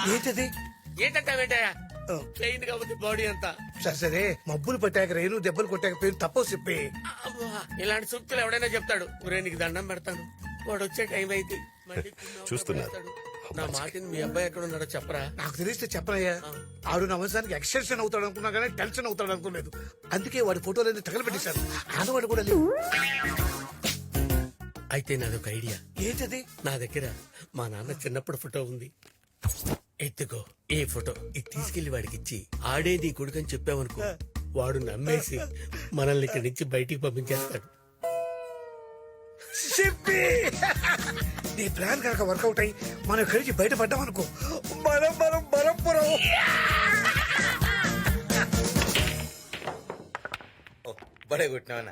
ఏంటది? ఏంటంటావేంటయ్యా? ప్లెయిన్ గా ఉంది బాడీ అంతా. సరే సరే, మబ్బులు పట్టాక రేణు దెబ్బలు కొట్టాక పేరు తప్పవు చెప్పి. అబ్బా, ఇలాంటి సూక్తులు ఎవడైనా చెప్తాడు. ఊరే నీకు దండం పెడతాను, వాడు వచ్చే టైం అయితే మళ్ళీ చూస్తున్నారు. పెడతాడు. నా మాటిని మీ అబ్బాయి ఎక్కడ ఉన్నాడో చెప్పరా? నాకు తెలిస్తే చెప్పనయ్యా. ఆడు నా వంశానికి ఎక్స్టెన్షన్ అవుతాడు అనుకున్నా కానీ టెన్షన్ అవుతాడు అనుకోలేదు. అందుకే వాడి ఫోటోలన్నీ తగలబెట్టేశాను. ఆడవాడు కూడా లేవు. అయితే నాదొక ఐడియా. ఏంటది? నా దగ్గర మా నాన్న చిన్నప్పుడు ఫోటో ఉంది. ఎత్తుకో ఈ ఫోటో, ఇది తీసుకెళ్లి వాడికి ఇచ్చి ఆడే నీ కొడుకని చెప్పావనుకో, వాడు నమ్మేసి మనల్ని ఇక్కడి నుంచి బయటికి పంపించేస్తాడు. చెప్పి నీ ప్లాన్ కనుక వర్కౌట్ అయ్యి మనం ఇక్కడి నుంచి బయటపడ్డాం అనుకో, మనం మనం బలంపురం. బడే కొట్టినావన్నా.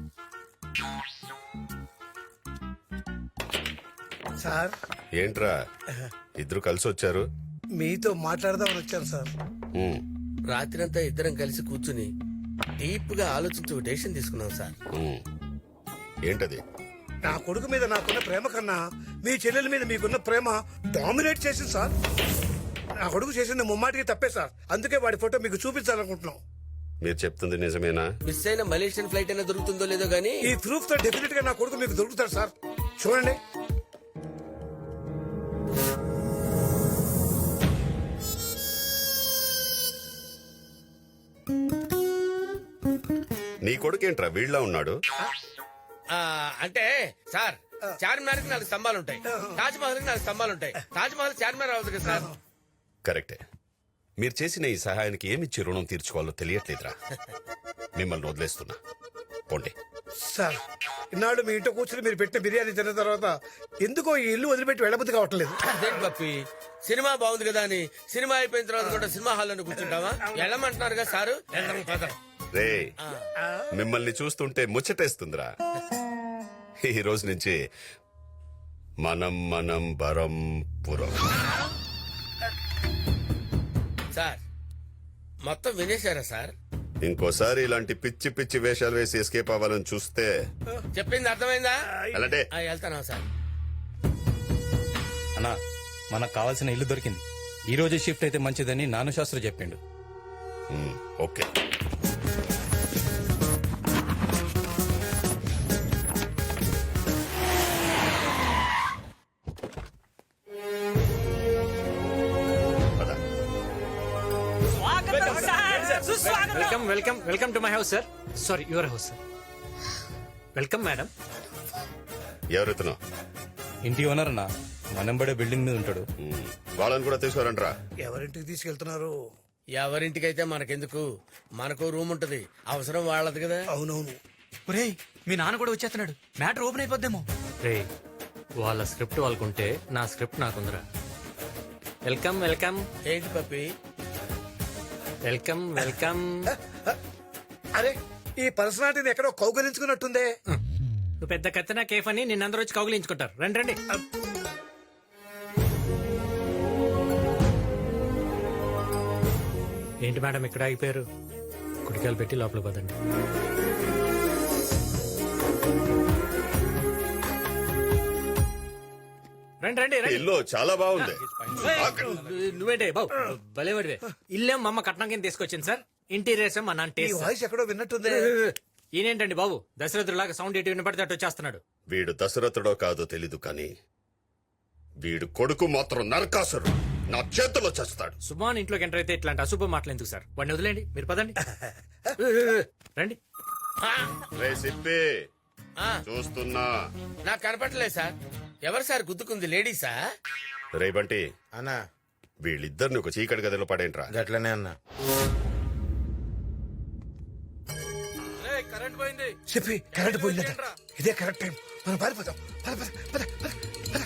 సార్, ఏంట్రా ఇద్దరు కలిసి వచ్చారు? మీతో మాట్లాడదామని వచ్చాను సార్. ఉమ్, రాత్రంతా ఇద్దరం కలిసి కూర్చుని డీప్ గా ఆలోచించి ఒక డెసిషన్ తీసుకున్నాం సార్. ఉమ్. ఏంటది? నా కొడుకు మీద నాకున్న ప్రేమ కన్నా మీ చెల్లెల మీద మీకున్న ప్రేమ డామినేట్ చేసింది సార్. నా కొడుకు చేసింది ముమ్మాటికి తప్పే సార్. అందుకే వాడి ఫోటో మీకు చూపించాలనుకుంటున్నాం. మీరు చెప్తుంది నిజమేనా? మిస్ అయిన మలేషియన్ ఫ్లైట్ అయినా దొరుకుతుందో లేదో గానీ ఈ ప్రూఫ్ తో డెఫినెట్ గా నా కొడుకు మీకు దొరుకుతాడు సార్. చూడండి. నీ కొడుకేంట్రా వీళ్ళ ఉన్నాడు? అంటే సార్, చార్మినార్ కి 4 స్తంభాలు ఉంటాయి, తాజ్ మహల్ కి 4 స్తంభాలు ఉంటాయి. తాజ్ మహల్ చార్మినార్ అవ్వదు కదా సార్. కరెక్టే. మీరు చేసిన ఈ సహాయానికి ఏమిచ్చి రుణం తీర్చుకోవాలో తెలియట్లేదురా. మిమ్మల్ని వదిలేస్తున్నా, పోండి. సార్, ఇన్నాళ్ళు మీ ఇంట్లో కూర్చుని మీరు పెట్టిన బిర్యానీ తిన్న తర్వాత ఎందుకో ఈ ఇల్లు వదిలిపెట్టి వెళ్ళబుద్ధి కావట్లేదు. అదేంటి పప్పి, సినిమా బాగుంది కదా అని సినిమా అయిపోయిన తర్వాత కూడా సినిమా హాల్లో కూర్చుంటావా? వెళ్ళమంటున్నారు కదా సారు. రే, మిమ్మల్ని చూస్తుంటే ముచ్చటేస్తుందిరా. ఈ రోజు నుంచి మనం మనం బరంపురం. సార్, మొత్తం వినేశారా సార్? ఇంకోసారి ఇలాంటి పిచ్చి పిచ్చి వేషాలు వేసి ఎస్కేప్ అవ్వాలని చూస్తే చెప్పింది అర్థమైందా? అలాంటే వెళ్తానా సార్? అన్నా, మనకు కావాల్సిన ఇల్లు దొరికింది. ఈ రోజు షిఫ్ట్ అయితే మంచిదని నాను శాస్త్రి చెప్పిండు. Okay. Welcome welcome welcome to my house sir. Sorry, your house sir. Welcome madam. ఎవరెత్తునో? ఇంటి ఓనర్ అన్నా, మనంబడే బిల్డింగ్ మీద ఉంటాడు. వాళ్ళని కూడా తీసుకురంట్రా. ఎవరింటికి తీసుకెళ్తున్నారు? ఎవరింటికైతే మనకెందుకు, మనకు రూమ్ ఉంటది, అవసరం వాళ్ళది కదా. అవునవును. ఒరేయ్, మీ నాన్న కూడా వచ్చేస్తున్నాడు, మ్యాటర్ ఓపెన్ అయిపోద్దేమో. రే, వాళ్ళ స్క్రిప్ట్ వాళ్ళకుంటే నా స్క్రిప్ట్ నాకుందిరా. Welcome welcome. ఏంటి పప్పి? Welcome welcome. అరే, ఈ పర్సనాలిటీని ఎక్కడో కౌగలించుకున్నట్టుందే. నువ్వు పెద్ద కత్తినా కేఫ్ అని నిన్నందరూ వచ్చి కౌగిలించుకుంటారు. రండి రండి. ఏంటి మేడం ఇక్కడ ఆగిపోయారు? కుడికాయలు పెట్టి లోపల పదండి. రండి రండి రండి. ఇల్లు చాలా బాగుంది. నువ్వేంటే బాబు భలేవాడివే. ఇల్లేం మా అమ్మ కట్నం కింద తీసుకొచ్చింది సార్. ఇంటీరియర్స్ మా నాన్న ఈ టేస్ట్. వాయిస్ ఎక్కడో విన్నట్టుందే. ఈయనేంటండి బాబు దశరథులాగా సౌండ్ ఎటు వినపడితే అటు వచ్చేస్తున్నాడు. వీడు దశరథుడో కాదో తెలీదు కానీ వీడు కొడుకు మాత్రం నరకాసురు. నా చేతిలో చేస్తాడు. సుమాన్ ఇంట్లోకి ఎంటర్ అయితే ఇట్లాంటి అశుభ మాటలు ఎందుకు సార్? వాడిని వదిలేండి, మీరు పదండి. రండి. రే సిప్పి, ఆ, చూస్తున్నా. నాకు కనపడలేదు సార్. ఎవరు సార్ గుద్దుకుంది? లేడీసా? రే బంటి, అన్నా వీళ్ళిద్దరిని ఒక చీకటి గదిలో పడేంట్రా. గట్లనే అన్నా. కరెంట్ పోయింది. చెప్పి కరెంట్ పోయిందట. ఇదే కరెక్ట్ టైం, మనం పారిపోతాం. పద, పద, పద, పద, పద.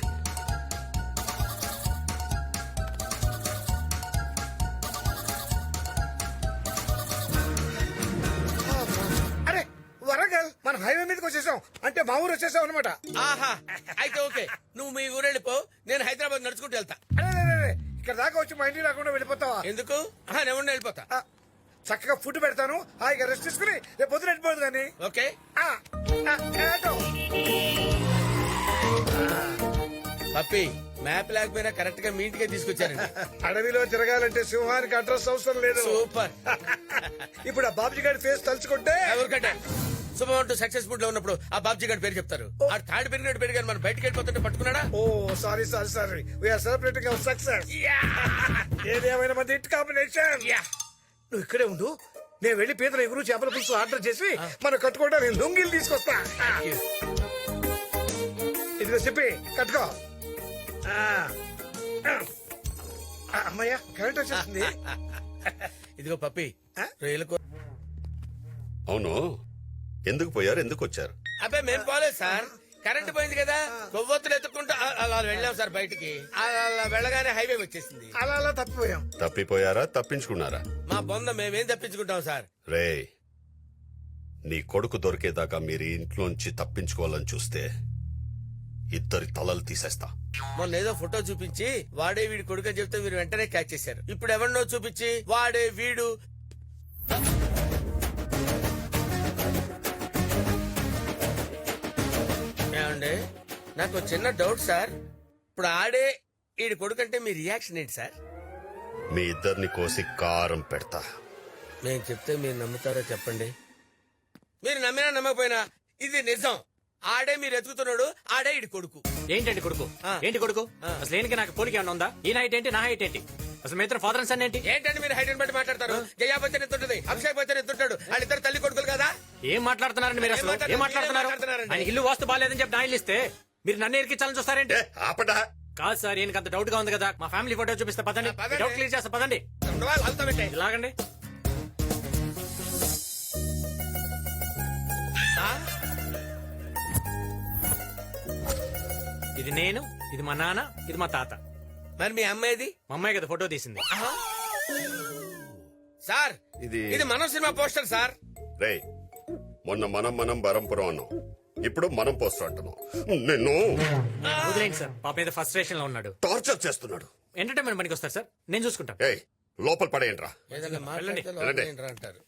అరే, వరంగల్ మన హైవే మీదకి వచ్చేసాం. అంటే మా ఊరు వచ్చేసాం అనమాట. ఆహా, అయితే ఓకే, నువ్వు మీ ఊరు వెళ్ళిపో, నేను హైదరాబాద్ నడుచుకుంటూ వెళ్తా. అరే, ఇక్కడ దాకా వచ్చి మా ఇంటికి రాకుండా వెళ్ళిపోతావా? ఎందుకు? నేను ఉండి వెళ్ళిపోతా. చక్కగా ఫుడ్ పెడతాను, హాయిగా రెస్ట్ తీసుకుని రేపు పొద్దున వెళ్ళిపోదు కానీ. ఓకే. పప్పి, మ్యాప్ లేకపోయినా కరెక్ట్ గా మీ ఇంటికే తీసుకొచ్చారండి. అడవిలో తిరగాలంటే సింహానికి అడ్రస్ అవసరం లేదు. సూపర్. ఇప్పుడు ఆ బాబుజీ గారి ఫేస్ తలుచుకుంటే ఎవరికంటే శుభమంటూ సక్సెస్ఫుల్ లో ఉన్నప్పుడు ఆ బాబ్జీ గారి పేరు చెప్తారు. ఆ తాడు పెరిగినట్టు పెరిగారు, మనం బయటకు వెళ్ళిపోతుంటే పట్టుకున్నాడా? ఓ sorry we are celebrating our success. ఏదేమైనా మంది హిట్ కాంబినేషన్. నువ్వు ఇక్కడే ఉండు, నేను వెళ్లి పీతల ఎగురు చేపల పులుసు ఆర్డర్ చేసి మనం కట్టుకోవడానికి లొంగిలు తీసుకొస్తా. ఇదిగో చెప్పి కట్టుకో. అమ్మయ్యా కరెంట్ వచ్చేస్తుంది. ఇదిగో పప్పి, రొయ్యల కూర. అవును, ఎందుకు పోయారు, ఎందుకు వచ్చారు? అబ్బాయి మేము పోలేదు సార్, కరెంట్ పోయింది కదా, కొవ్వొత్తులు ఎత్తుకుంటూ అలా వెళ్ళాం సార్ బయటికి. అలా వెళ్ళగానే హైవే వచ్చేసింది. అలా తప్పిపోయాం. తప్పిపోయారా, తప్పించుకున్నారా? మా బొంద మేమేం తప్పించుకుంటాం సార్. రే, నీ కొడుకు దొరికేదాకా మీరు ఇంట్లోంచి తప్పించుకోవాలని చూస్తే ఇద్దరి తలలు తీసేస్తా. మొన్న ఏదో ఫోటో చూపించి వాడే వీడి కొడుకు అని చెప్తే మీరు వెంటనే క్యాచ్ చేశారు. ఇప్పుడు ఎవరినో చూపించి వాడే వీడు. ఏమండి, నాకు ఒక చిన్న డౌట్ సార్. ఇప్పుడు ఆడే వీడి కొడుకు అంటే మీ రియాక్షన్ ఏంటి సార్? మీ ఇద్దరిని కోసి కారం పెడతా. నేను చెప్తే మీరు నమ్ముతారో చెప్పండి. మీరు నమ్మినా నమ్మకపోయినా ఇది నిజం. ఆడే మీరు ఎత్తుకుతున్నాడు, ఆడే ఇడి కొడుకు. ఏంటండి కొడుకు? ఏంటి కొడుకు? అసలు ఏంటి నాకు పోలిక ఏమన్నా ఉందా? ఈ హైట్ ఏంటి, నా హైట్ ఏంటి? అసలు మీ ఇద్దరు ఫాదర్ అండ్ సన్ ఏంటి? ఏంటంటే మీరు హైట్ బట్టి మాట్లాడతారు. జయాపతి ఎత్తుంటది, అభిషేక్ బచ్చన్ ఎత్తుంటాడు. వాళ్ళిద్దరు తల్లి కొడుకులు కదా. ఏం మాట్లాడుతున్నారండి మీరు? అసలు ఏం మాట్లాడుతున్నారు? ఆయన ఇల్లు వాస్తు బాగాలేదని చెప్పి నా ఇల్లు ఇస్తే మీరు నన్ను ఎరికించాలని చూస్తారేంటి? ఆపడా. కాదు సార్, ఈయనకి అంత డౌట్ గా ఉంది కదా. మా ఫ్యామిలీ ఫోటో చూపిస్తే పదండి, డౌట్ క్లియర్ చేస్తా పదండి. ఇలాగండి. ఇది నేను, ఇది మా నాన్న, ఇది మా తాత. మరి మీ అమ్మాయిది? మా అమ్మాయి కదా ఫోటో తీసింది. సార్ ఇది మనం సినిమా పోస్టర్ సార్. రే, మొన్న మనం బరంపురం అన్నాం, ఇప్పుడు మనం పోస్టర్ అంటున్నాం. నిన్ను వదిలేండి సార్, పాప మీద ఫస్ట్ స్టేషన్ లో ఉన్నాడు. టార్చర్ చేస్తున్నాడు. ఎంటర్టైన్మెంట్ పనికి వస్తారు సార్, నేను చూసుకుంటాను. ఏయ్, లోపల పడేయండిరా. ఏదైనా మాట్లాడితే వెళ్ళండి. లోపల అంటారు.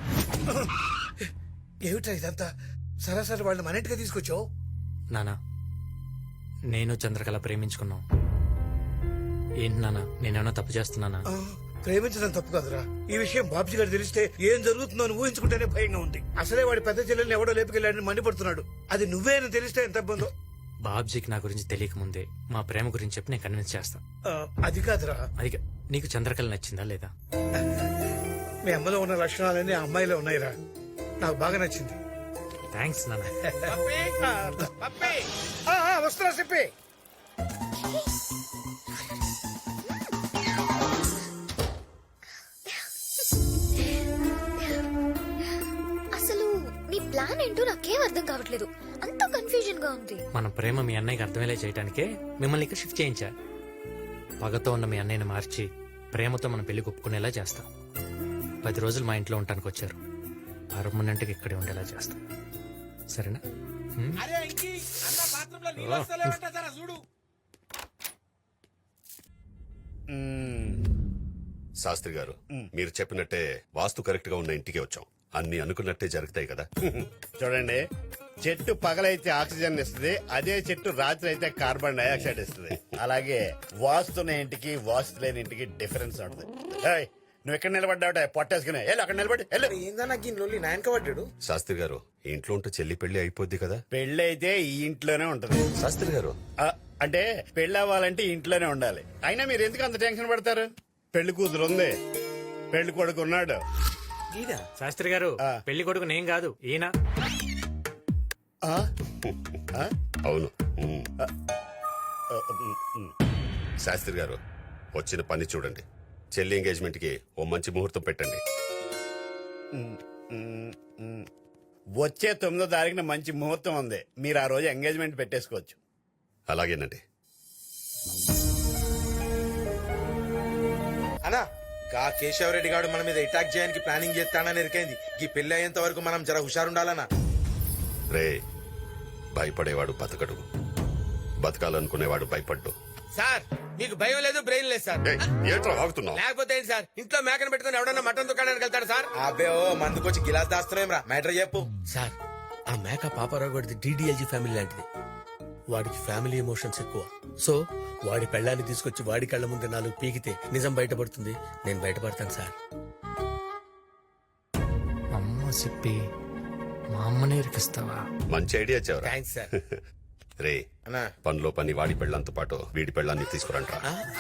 ఏమిటా ఇదంతా? సరాసరి వాళ్ళని మన ఇంటికి తీసుకొచ్చావు. నానా, నేను చంద్రకళ ప్రేమించుకున్నాం. ఏంటి నానా, నేనేమన్నా తప్పు చేస్తున్నానా? ప్రేమించడం తప్పు కదరా. ఈ విషయం బాబ్జీ గారు తెలిస్తే ఏం జరుగుతుందో అని ఊహించుకుంటేనే భయంగా ఉంది. అసలే వాడి పెద్ద చెల్లెల్ని ఎవడో లేపుకెళ్ళాడని మండిపడుతున్నాడు. అది నువ్వే అని తెలిస్తే ఎంత ఇబ్బందో. బాబ్జీకి నా గురించి తెలియక ముందే మా ప్రేమ గురించి చెప్పి నేను కన్విన్స్ చేస్తా. అది కాదురా, అది నీకు చంద్రకళ నచ్చిందా లేదా? మీ అమ్మలో ఉన్న లక్షణాలన్నీ ఆ అమ్మాయిలో ఉన్నాయిరా. నాకు బాగా నచ్చింది. థ్యాంక్స్ నాన్న. వస్తున్నా చెప్పి. అసలు మీ ప్లాన్ ఏంటో నాకేం అర్థం కావట్లేదు. అంత కన్ఫ్యూజన్ గా ఉంది. మన ప్రేమ మీ అన్నయ్యకి అర్థమయ్యేలా చేయడానికే మిమ్మల్ని ఇక్కడ షిఫ్ట్ చేయించా. పగతో ఉన్న మీ అన్నయ్యని మార్చి ప్రేమతో మన పెళ్లి ఒప్పుకునేలా చేస్తాం. 10 రోజులు మా ఇంట్లో ఉండటానికి వచ్చారు. పర్మనెంట్గా ఇక్కడే ఉండేలా చేస్తాం. సరేనా? శాస్త్రి గారు, మీరు చెప్పినట్టే వాస్తు కరెక్ట్ గా ఉన్న ఇంటికి వచ్చాం. అన్ని అనుకున్నట్టే జరుగుతాయి కదా. చూడండి, చెట్టు పగలైతే ఆక్సిజన్ ఇస్తుంది, అదే చెట్టు రాత్రి అయితే కార్బన్ డైఆక్సైడ్ ఇస్తుంది. అలాగే వాస్తున్న ఇంటికి వాస్తు లేని ఇంటికి డిఫరెన్స్ ఉంటుంది. ఏయ్, నువ్వు ఎక్కడ నిలబడ్డావుట పొట్టేసుకునే అక్కడ నిలబడి ఏందన్నా గిన్నెలు నాయనక పడ్డాడు. శాస్త్రి గారు, ఇంట్లో ఉంటే చెల్లి పెళ్లి అయిపోద్ది కదా. పెళ్లి అయితే ఈ ఇంట్లోనే ఉంటది. శాస్త్రి గారు, అంటే పెళ్లి అవ్వాలంటే ఇంట్లోనే ఉండాలి. అయినా మీరు ఎందుకు అంత టెన్షన్ పడతారు? పెళ్లి కూతురు ఉంది, పెళ్లి కొడుకు ఉన్నాడు. శాస్త్రి గారు, పెళ్లి కొడుకు నేను కాదు, ఈయన. అవును. శాస్త్రి గారు, వచ్చిన పని చూడండి. చెల్లి ఎంగేజ్మెంట్ కి ఓ మంచి ముహూర్తం పెట్టండి. వచ్చే 9వ తారీఖున మంచి ముహూర్తం ఉంది. మీరు ఆ రోజు ఎంగేజ్మెంట్ పెట్టేసుకోవచ్చు. అలాగేనండి. అనా గా కేశవరెడ్డి గారు మన మీద అటాక్ చేయడానికి ప్లానింగ్ చేస్తానని ఎరికైంది. ఈ పెళ్లి అయ్యేంత వరకు మనం జర హుషారుండాలనా. రే, భయపడేవాడు బతకడు, బతకాలనుకునేవాడు భయపడ్డు. సార్, మీకు భయం లేదు, బ్రెయిన్ లేదు సార్. ఏంట్రా ఆగుతున్నావు? లేకపోతే ఏంటి సార్, ఇంట్లో మేకను పెట్టుకుని ఎవడన్నా మటన్ దుకాణానికి వెళ్తాడు సార్? అబ్బే ఓ మందుకొచ్చి గిలాస్ దాస్తున్నాం రా. మ్యాటర్ చెప్పు సార్, ఆ మేక పాపారావు గడిది DDLG ఫ్యామిలీ లాంటిది. వాడికి ఫ్యామిలీ ఎమోషన్స్ ఎక్కువ. సో వాడి పెళ్ళాన్ని తీసుకొచ్చి వాడి కళ్ళ ముందు 4 పీకితే నిజం బయటపడుతుంది. నేను బయటపడతాను సార్. అమ్మ చెప్పి మా అమ్మనే ఇరికిస్తావా? మంచి ఐడియా చెవరా. Thanks sir. రే అన్నా పనిలో పని వాడి పెళ్ళంతో పాటు వీడి పెళ్ళాన్ని తీసుకురంట్రా.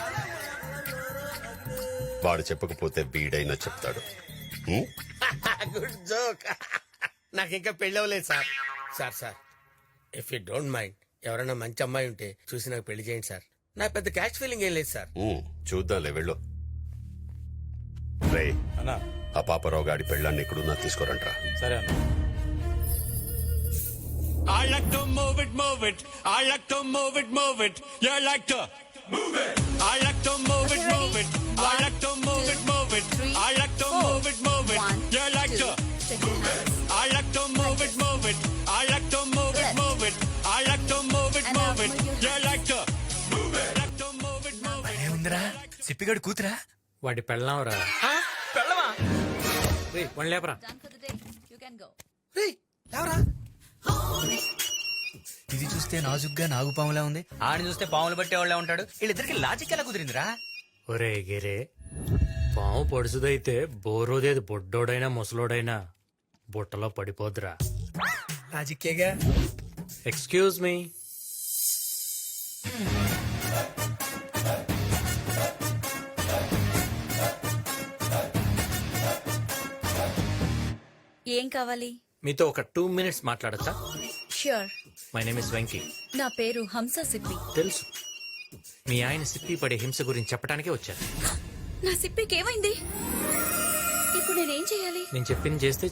వాడు చెప్పకపోతే వీడైనా చెప్తాడు. హ్మ్? Good joke. నాకు ఇంకా పెళ్ళి అవ్వలేదు sir. Sir if you don't mind ఎవరైనా మంచి అమ్మాయి ఉంటే చూసి నాకు పెళ్లి చేయండి సార్. నాకు పెద్ద క్యాష్ ఫీలింగ్ ఏం లేదు సార్. చూద్దాంలే వెళ్ళు. రే అన్నా ఆ పాపరావు గాడి పెళ్ళాన్ని ఎక్కడున్నా తీసుకురంట్రా. సరే అన్న. I like to move it, move it. I like to move it, move it. You like to move it. I like to move it, move it. I like to move it, move it. I like to move it, move it. You like to move it. I like to move it, move it. I like to move it, move it. I like to move it, move it. You like to move it. Like to move it, move it. ఏముందిరా సిప్పిగడు కూతురా? వాడి పెళ్ళాంరా. పెళ్ళవా? One లేపరా. ఇది చూస్తే నాజుగ్గా నాగుపాములా ఉంది, ఆడిని చూస్తే పాములు పట్టేవాళ్ళ ఉంటాడు. వీళ్ళిద్దరికి లాజిక్ ఎలా కుదిరిందిరా? ఒరే గిరే, పాము పొడుసుదైతే బోరోదేది బొడ్డోడైనా ముసలోడైనా బుట్టలో పడిపోద్దురా. లాజిక్కేగా. Excuse me. ఏం కావాలి? మీతో ఒక 2 minutes మాట్లాడచ్చా? Sure. My name is Venky. నా పేరు హంస సిప్పి. తెలుసు, మీ ఆయన సిప్పి పడే హింస గురించి చెప్పడానికే వచ్చాను. నా సిప్పికి ఏమైంది? ఇప్పుడు నేనేం చేయాలి? నేను చెప్పింది చేస్తే